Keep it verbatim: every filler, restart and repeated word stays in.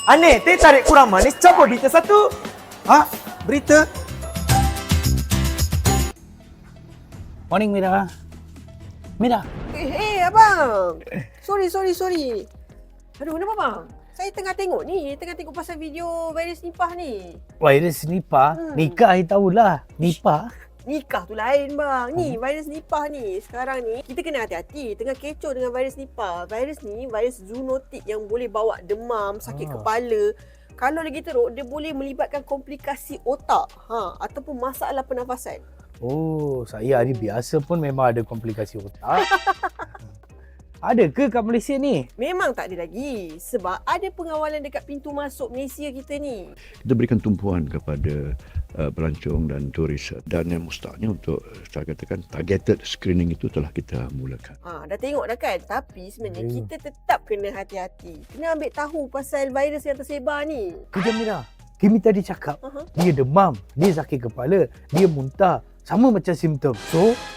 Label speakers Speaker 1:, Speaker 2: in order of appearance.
Speaker 1: Aneh, teh tarik kurang manis, cabut berita satu.
Speaker 2: Ha? Berita?
Speaker 3: Morning Mira. Mira.
Speaker 4: Eh, eh abang. Sorry, sorry, sorry. Aduh, kenapa bang? Saya tengah tengok ni, tengah tengok pasal video virus Nipah ni.
Speaker 3: Virus Nipah?
Speaker 4: Hmm.
Speaker 3: Nikah I tahulah. Nipah?
Speaker 4: Nikah tu lain bang. Ni virus Nipah ni. Sekarang ni kita kena hati-hati. Tengah kecoh dengan virus Nipah. Virus ni virus zoonotik yang boleh bawa demam, sakit
Speaker 3: Ah.
Speaker 4: kepala. Kalau lagi teruk, dia boleh melibatkan komplikasi otak ha, ataupun masalah pernafasan.
Speaker 3: Oh, saya hari biasa pun memang ada komplikasi otak. Ada ke kat Malaysia ni?
Speaker 4: Memang tak ada lagi. Sebab ada pengawalan dekat pintu masuk Malaysia kita ni.
Speaker 5: Kita berikan tumpuan kepada uh, pelancong dan turis, dan yang mustahaknya untuk saya katakan targeted screening itu telah kita mulakan.
Speaker 4: Ha, dah tengok dah kan? Tapi sebenarnya
Speaker 3: Hmm.
Speaker 4: kita tetap kena hati-hati. Kena ambil tahu pasal virus yang tersebar ni.
Speaker 3: Kejap Mira. Kimi tadi cakap,
Speaker 4: Aha.
Speaker 3: dia demam, dia sakit kepala, dia muntah. Sama macam simptom. So,